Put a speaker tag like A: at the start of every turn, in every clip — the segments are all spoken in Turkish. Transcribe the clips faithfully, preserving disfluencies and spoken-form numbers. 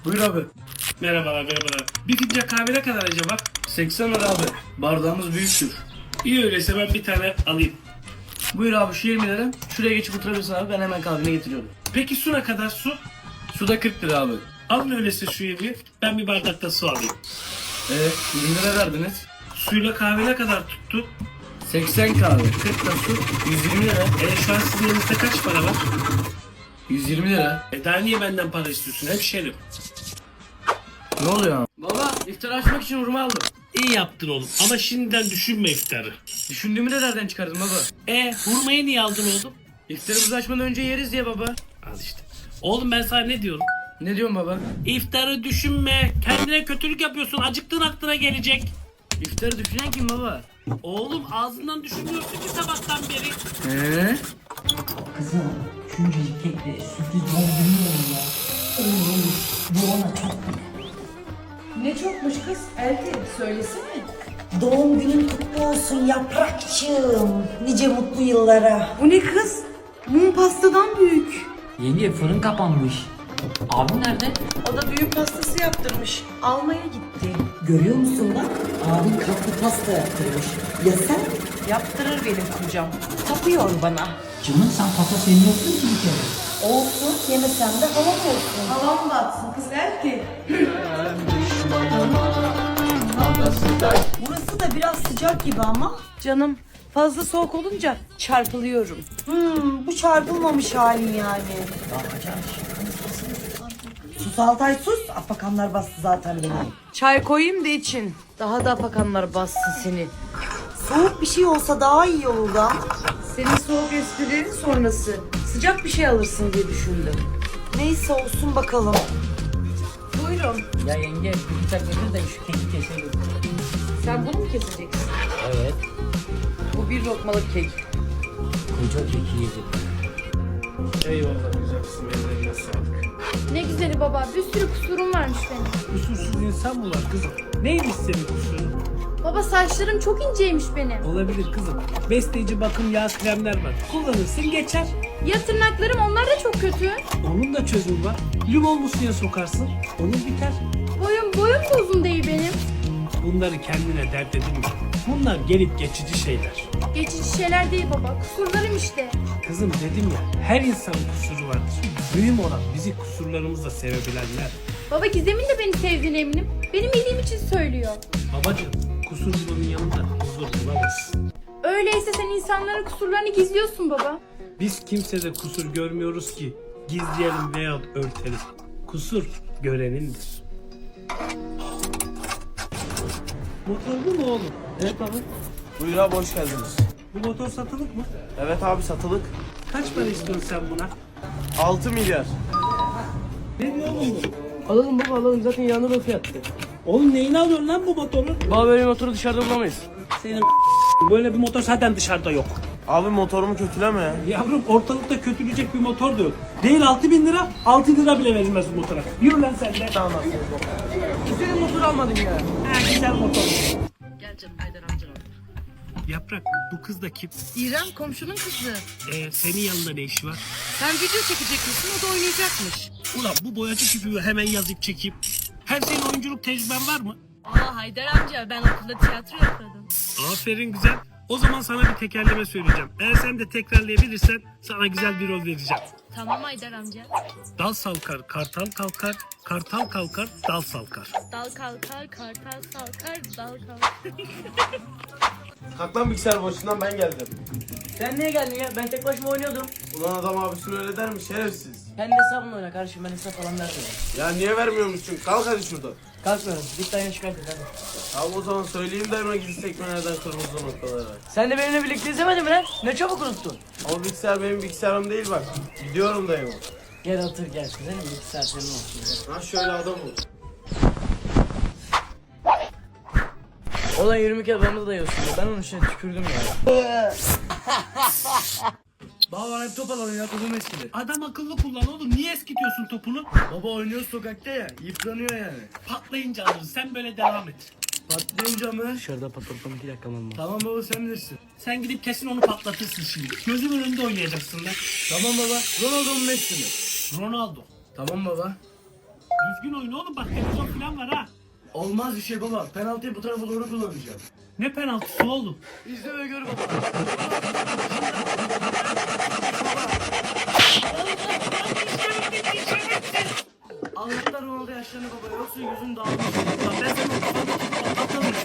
A: Buyur abi.
B: Merhabalar merhabalar. Bir fincan kahve ne kadar acaba?
A: seksen lira abi. Bardağımız büyüktür.
B: İyi öyleyse ben bir tane alayım.
A: Buyur abi şu yirmi lira. Şuraya geçip oturabilirsin abi, ben hemen kahveni getiriyorum.
B: Peki su ne kadar su?
A: Su da kırk lira abi.
B: Alın öyleyse şu yirmiyi. Ben bir bardakta su alayım.
A: Evet yirmi lira verdiniz.
B: Suyla kahve ne kadar tuttu?
A: seksen kahve, kırk da su, yüz yirmi lira.
B: E şu an sizin elinizde kaç para var?
A: yüz yirmi lira.
B: E daha niye benden para istiyorsun hemşerim?
A: Ne oluyor abi? Baba iftar açmak için hurma aldım.
B: İyi yaptın oğlum ama şimdiden düşünme iftarı.
A: Düşündüğümü de nereden çıkardın baba?
B: E hurmayı niye aldın oğlum?
A: İftarımızı açmadan önce yeriz diye baba.
B: Al işte. Oğlum ben sana ne diyorum?
A: Ne diyorsun baba?
B: İftarı düşünme. Kendine kötülük yapıyorsun. Acıktığın aklına gelecek.
A: İftarı düşünen kim baba?
B: Oğlum ağzından düşünmüyorsun ki sabahtan beri.
A: He?
C: Kızım, şuncacık kekle sürpriz doğum günü olur ya. Olur olur, bu ona çok bile.
D: Ne çokmuş kız? Elti söylesene.
C: Doğum günün kutlu olsun yaprakçığım. Nice mutlu yıllara.
D: Bu ne kız? Mum pastadan büyük.
E: Yenge fırın kapanmış. Abim nerede?
D: O da düğün pastası yaptırmış. Almaya gitti.
C: Görüyor musun bak? Abin kaplı pasta yaptırmış. Ya sen?
D: Yaptırır benim kocam. Tapıyor bana.
E: Canım sen pasta sevmiyorsun ki bir kere.
C: Olsun, yemesen de halam olsun.
D: Havam batsın kız Elti. Burası da biraz sıcak gibi ama. Canım fazla soğuk olunca çarpılıyorum.
C: Hmm, bu çarpılmamış halin yani. Sus Altay sus. Afakanlar bastı zaten beni.
D: Çay koyayım da için. Daha da afakanlar bassın seni.
C: Soğuk bir şey olsa daha iyi olur da.
D: Senin soğuk esprilerin sonrası. Sıcak bir şey alırsın diye düşündüm.
C: Neyse olsun bakalım.
D: Buyurun.
E: Ya yenge bir bıçak getir de şu keki keselim.
D: Sen bunu mu keseceksin?
E: Evet.
D: Bu bir lokmalık kek.
E: Koca keki yedim.
B: Eyvallah güzel kızım. Ellerine sağlık.
F: Ne güzeli baba, bir sürü kusurum varmış benim.
B: Kusursuz insan mı var kızım? Neymiş senin kusurun?
F: Baba saçlarım çok inceymiş benim.
B: Olabilir kızım. Besleyici bakım yağ kremler var. Kullanırsın geçer.
F: Ya tırnaklarım, onlar da çok kötü.
B: Onun da çözümü var. Limon suya sokarsın. Onun biter.
F: Boyum, boyum da uzun değil benim.
B: Bunları kendine dert edinme. Bunlar gelip geçici şeyler.
F: Geçici şeyler değil baba, kusurlarım işte.
B: Kızım dedim ya, her insanın kusuru vardır. Mühim olan bizi kusurlarımızla sevebilenler.
F: Baba Gizem'in de beni sevdiğine eminim. Benim iyiliğim için söylüyor.
B: Babacığım, kusurcunun yanında huzur bulamazsın.
F: Öyleyse sen insanların kusurlarını gizliyorsun baba.
B: Biz kimsede kusur görmüyoruz ki gizleyelim veya örtelim. Kusur görenindir. Motorlu mu oğlum? Evet abi.
G: Buyur abi hoş geldiniz.
B: Bu motor satılık mı?
G: Evet abi satılık.
B: Kaç para istiyorsun sen buna?
G: altı milyar.
B: Ne diyor oğlum bu?
A: Alalım baba alalım, zaten yanında da fiyattı.
B: Oğlum neyini alıyorsun lan bu motoru?
A: Baba böyle motoru dışarıda bulamayız.
B: Senin böyle bir motor zaten dışarıda yok.
G: Abi motorumu kötüleme ya.
B: Yavrum ortalıkta kötülecek bir motor da yok. Değil altı bin lira, altı lira bile verilmez bu motora. Yürü lan sen de. Tamam.
A: Güzel motor almadın ya.
B: Ha, güzel motor.
D: Gel canım Haydar amca.
B: Yaprak, bu kız da kim?
D: İrem komşunun kızı.
B: Ee, senin yanında ne işi var?
D: Sen video çekecek misin? O da oynayacakmış.
B: Ulan bu boyacı küpü hemen yazıp çekeyim. Her senin oyunculuk tecrüben var mı?
H: Aa Haydar amca, ben okulda tiyatro yapıyordum.
B: Aferin güzel. O zaman sana bir tekerleme söyleyeceğim. Eğer sen de tekrarlayabilirsen sana güzel bir rol vereceğim.
H: Tamam Haydar amca.
B: Dal salkar, kartal kalkar, kartal kalkar, dal salkar.
H: Dal kalkar, kartal salkar, dal kalkar.
G: Kalk lan bilgisayar başından ben geldim.
A: Sen niye geldin ya? Ben tek başıma oynuyordum.
G: Ulan adam abisini öyle der mi şerefsiz?
A: Kendi hesabımla oyna kardeşim, ben hesap falan vermiyorum.
G: Ya niye vermiyormuşsun? Kalk hadi şuradan.
A: Kalkmıyorum. Git dayını şikayet et hadi.
G: Abi o zaman söyleyeyim de hemen gidip sekmelerden kırmızı noktalara.
A: Sen de benimle birlikte izlemedin mi lan? Ne çabuk unuttun.
G: Ama bilgisayar benim bilgisayarım değil bak. Gidiyorum dayıma.
A: Gel otur gel. Güzelim bilgisayar senin olsun.
G: Ha şöyle adam ol.
A: Olan yirmi kere bana da yiyorsun ya. Ben onun içine tükürdüm ya. Baba bana hep top alalım ya, topum eskidi.
B: Adam akıllı kullan oğlum. Niye eskitiyorsun topunu?
A: Baba oynuyor sokakta ya, yıpranıyor yani.
B: Patlayınca alırız. Sen böyle devam et.
A: Patlayınca mı?
E: Dışarıda patlatalım iki dakika mı?
A: Tamam baba sen bilirsin.
B: Sen gidip kesin onu patlatırsın şimdi. Gözümün önünde oynayacaksın lan.
A: Tamam baba. Ronaldo mu Messi mi?
B: Ronaldo.
A: Tamam baba.
B: Düzgün oyun oğlum, bak televizyon falan var ha.
A: Olmaz bir şey baba. Penaltıyı bu tarafa doğru kullanacağım.
B: Ne penaltısı oğlum?
A: İzle ve gör baba. Allah'tan Ronaldo yaşlandı baba. Yoksa yüzün dağılmış. Ulan ben senin o kafanı patlatırım.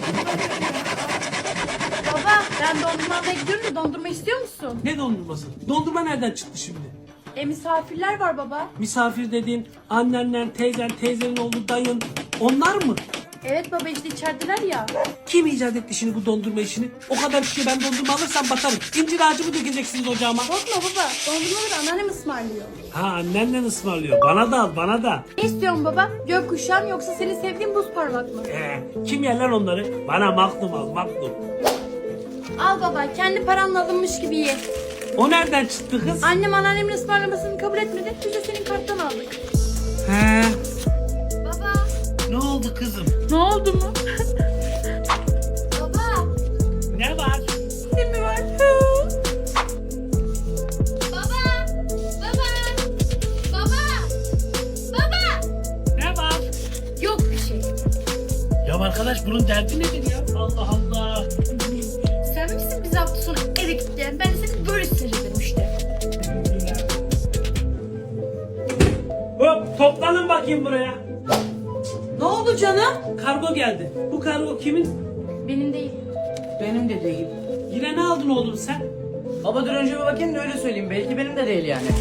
F: Baba ben dondurma almaya gidiyorum da dondurma istiyor musun?
B: Ne dondurması? Dondurma nereden çıktı şimdi?
F: E misafirler var baba.
B: Misafir dediğin annenler, teyzen, teyzenin oğlu, dayın, onlar mı?
F: Evet baba işte içerideler ya.
B: Kim icat etti şimdi bu dondurma işini? O kadar şişe ben dondurma alırsam batarım. İncir ağacı mı dökeceksiniz ocağıma?
F: Korkma baba dondurmaları anneannem ısmarlıyor.
B: Ha, annenle ısmarlıyor. Bana da al, bana da.
F: Ne istiyorsun baba? Gökkuşağı mı yoksa senin sevdiğin buz parmak mı?
B: Ee, kim yer lan onları? Bana maklum al, maklum.
F: Al baba kendi paranla alınmış gibi ye.
B: O nereden çıktı kız?
F: Annem anneannemin ısmarlamasını kabul etmedi. Biz de senin karttan aldık.
B: He.
F: Baba.
B: Ne oldu kızım?
D: Ne oldu mu?
F: Baba.
B: Ne var?
D: Ne mi var?
F: Baba. Baba. Baba. Baba.
B: Ne var?
F: Yok bir şey.
B: Ya arkadaş, bunun derdi nedir ya? Allah Allah.
F: Sen misin bizi hafta sonu eve gittiğin? Ben de seni böyle seyrederim işte.
B: Hop, toplanın bakayım buraya.
D: Ne oldu canım?
B: Kargo geldi. Bu kargo kimin?
F: Benim değil.
A: Benim de değil.
B: Yine ne aldın oğlum sen?
A: Baba dur önce bir bakayım da öyle söyleyeyim. Belki benim de değil yani.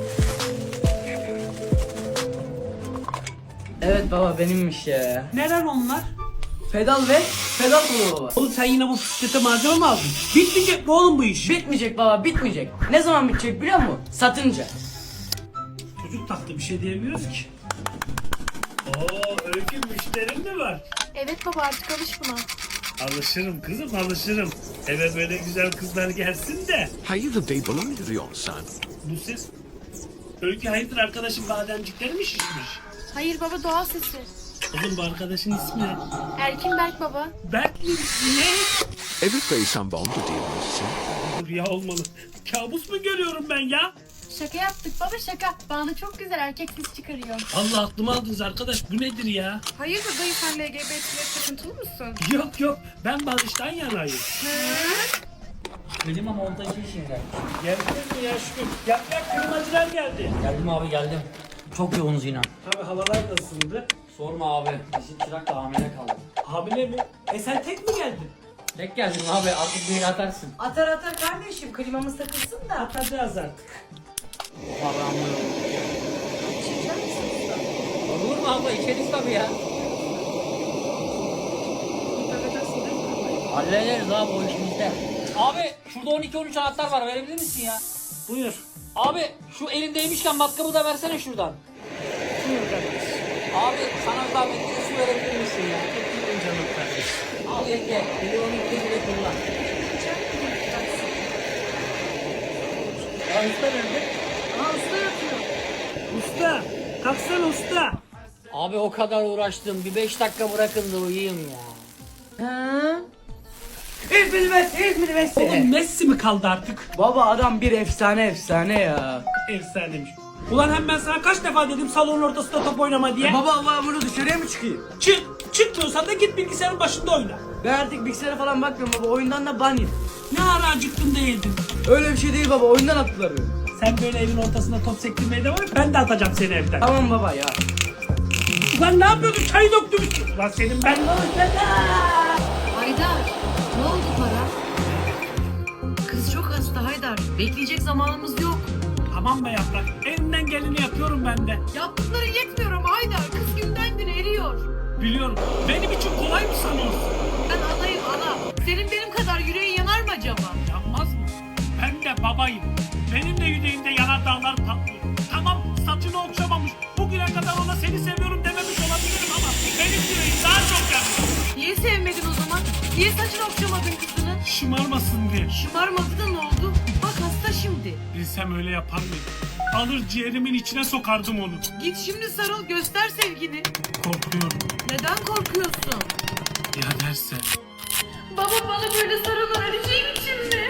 A: Evet baba benimmiş ya.
B: Neler onlar?
A: Pedal ve pedal kolu baba.
B: Oğlum sen yine bu bisiklete malzeme mi aldın? Bitmeyecek mi oğlum bu iş?
A: Bitmeyecek baba bitmeyecek. Ne zaman bitecek biliyor musun? Satınca.
B: Çocuk taktı, bir şey diyemiyoruz ki. Oo, Öykü, müşterin mi var?
F: Evet baba artık alış buna.
B: Alışırım kızım, alışırım. Eve böyle güzel kızlar gelsin de.
I: Hayırdır bey, bana mı yürüyorsun?
B: Bu ses. Öykü, hayırdır arkadaşım, bademcikleri mi şişmiş?
F: Hayır baba doğal sesi.
B: Oğlum bu arkadaşın ismi ne?
F: Erkin Berk baba.
B: Berk mi? Ne?
I: Evet bey, sen bandı değil misin?
B: Rüya olmalı. Kabus mu görüyorum ben ya?
F: Şaka yaptık baba şaka. Bana çok güzel erkek ses çıkarıyor.
B: Allah aklımı aldınız arkadaş, bu nedir ya?
F: Hayırdır dayı sen L G B T'ye takıntılı mısın?
B: Yok yok, ben barıştan yanayım.
E: Klima montajı işinden.
B: Geldiniz mi ya şükür? Yaprak klimacılar geldi.
E: Geldim abi geldim. Çok yoğunuz yine.
B: Abi havalar nasıldı?
E: Sorma abi. Bizim çırak da hamile kaldı.
B: Hamile mi? E sen tek mi geldin?
E: Tek geldim abi artık bir atarsın.
D: Atar atar kardeşim klimamız takılsın da.
B: Atacağız artık.
E: Olur mu abla, içeriz tabii ya. Hallederiz abi, o iş bizde. Abi şurada on iki on üç anahtar var, verebilir misin ya?
B: Buyur.
E: Abi şu elindeymişken matkabı da versene şuradan. Abi sana zahmet bir su verebilir misin ya?
B: Buyurun canım kardeşim.
E: Al yenge, beni on iki bile kullan. Ya usta nerede?
B: Usta, kalksana usta.
E: Abi o kadar uğraştım, bir beş dakika bırakın da uyuyayım ya.
D: Hı? İzmir Messi, İzmir Messi.
B: Oğlum Messi mi kaldı artık?
A: Baba adam bir efsane efsane ya.
B: Efsanemiş. Ulan hem ben sana kaç defa dedim salonun ortasında top oynama diye.
A: Baba Allah bunu dışarıya mı çıkayım?
B: Çık, çıkmıyorsan da git bilgisayarın başında oyna.
A: Ben artık bilgisayara falan bakmıyorum baba. Oyundan da ban yedim.
B: Ne ara acıktın da yedin.
A: Öyle bir şey değil baba. Oyundan attılar beni.
B: Sen böyle evin ortasında top sektirmeye devam et, ben de atacağım seni evden.
A: Tamam baba ya.
B: Ulan ne yapıyordun? Çayı döktüm üstüne. Ulan senin ben...
C: Haydar, ne oldu para? Kız çok hasta Haydar. Bekleyecek zamanımız yok.
B: Tamam be Yaprak, elimden geleni yapıyorum ben de.
C: Yaptıkların yetmiyor ama Haydar. Kız günden güne eriyor.
B: Biliyorum, benim için kolay mı sanıyorsun?
C: Ben anayım ana. Senin benim kadar yüreğin yanar mı acaba?
B: Yanmaz mı? Ben de babayım. Benim de yüreğimde yanardağlar patlıyor. Tamam, saçını okşamamış. Bugüne kadar ona seni seviyorum dememiş olabilirim ama benim yüreğim daha çok yanıyor.
C: Niye sevmedin o zaman? Niye saçını okşamadın kızının?
B: Şımarmasın diye.
C: Şımarmadı da ne oldu? Bak hasta şimdi.
B: Bilsem öyle yapar mıydım? Alır ciğerimin içine sokardım onu.
C: Git şimdi sarıl göster sevgini.
B: Korkuyorum.
C: Neden korkuyorsun?
B: Ya derse?
F: Baba bana böyle sarılır öleceğim için mi?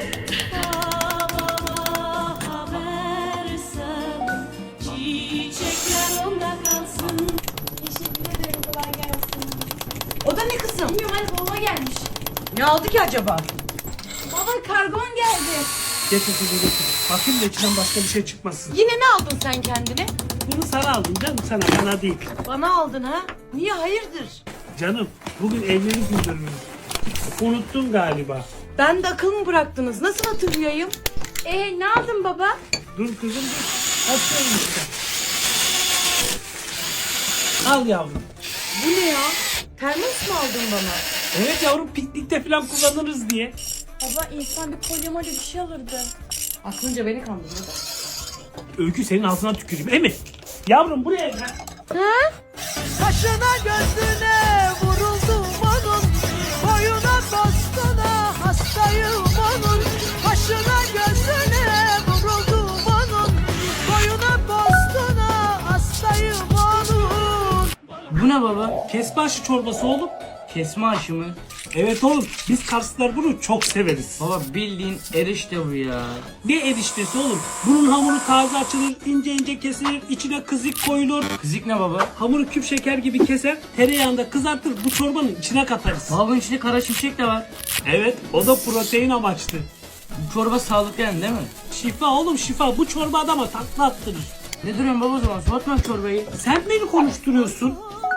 H: Çiçekler onda kalsın.
D: Ne aldı ki acaba?
F: Baba kargon geldi.
B: Getir kızım getir. Bakayım da içinden başka bir şey çıkmasın.
D: Yine ne aldın sen kendine?
B: Bunu sana aldım canım, sana bana değil.
D: Bana aldın ha? Niye hayırdır?
B: Canım bugün evlilik yıl dönümümüz. Unuttun galiba.
D: Ben de akıl mı bıraktınız? Nasıl hatırlayayım?
F: Ee ne aldın baba?
B: Dur kızım dur. Açıyorum işte. Al yavrum.
D: Bu ne ya? Termos mu aldın bana?
B: Evet yavrum, piknikte falan kullanırız diye.
F: Baba insan bir kolyemali bir şey alırdı.
D: Aklınca beni kandırdın.
B: Öykü senin ağzına tüküreyim. Emi. Yavrum buraya gel.
D: Kaşına gözüne vuruldum onun, boyuna bastına hastayım onun. Kaşına gözüne vuruldum onun, boyuna bastına hastayım onun.
A: Bu ne baba?
B: Kesme aşı çorbası oğlum.
A: Kesme aşı mı?
B: Evet oğlum, biz Karslılar bunu çok severiz.
A: Baba bildiğin erişte bu ya.
B: Ne eriştesi oğlum? Bunun hamuru taze açılır, ince ince kesilir, içine kızık koyulur.
A: Kızık ne baba?
B: Hamuru küp şeker gibi keser, tereyağında kızartır, bu çorbanın içine katarız.
A: Baba bunun içinde kara şimşek de var.
B: Evet, o da protein amaçlı.
A: Bu çorba sağlıklı yani değil mi?
B: Şifa oğlum şifa, bu çorba adama takla attırır.
A: Ne duruyorsun baba o zaman? Soğutma çorbayı.
B: Sen beni konuşturuyorsun.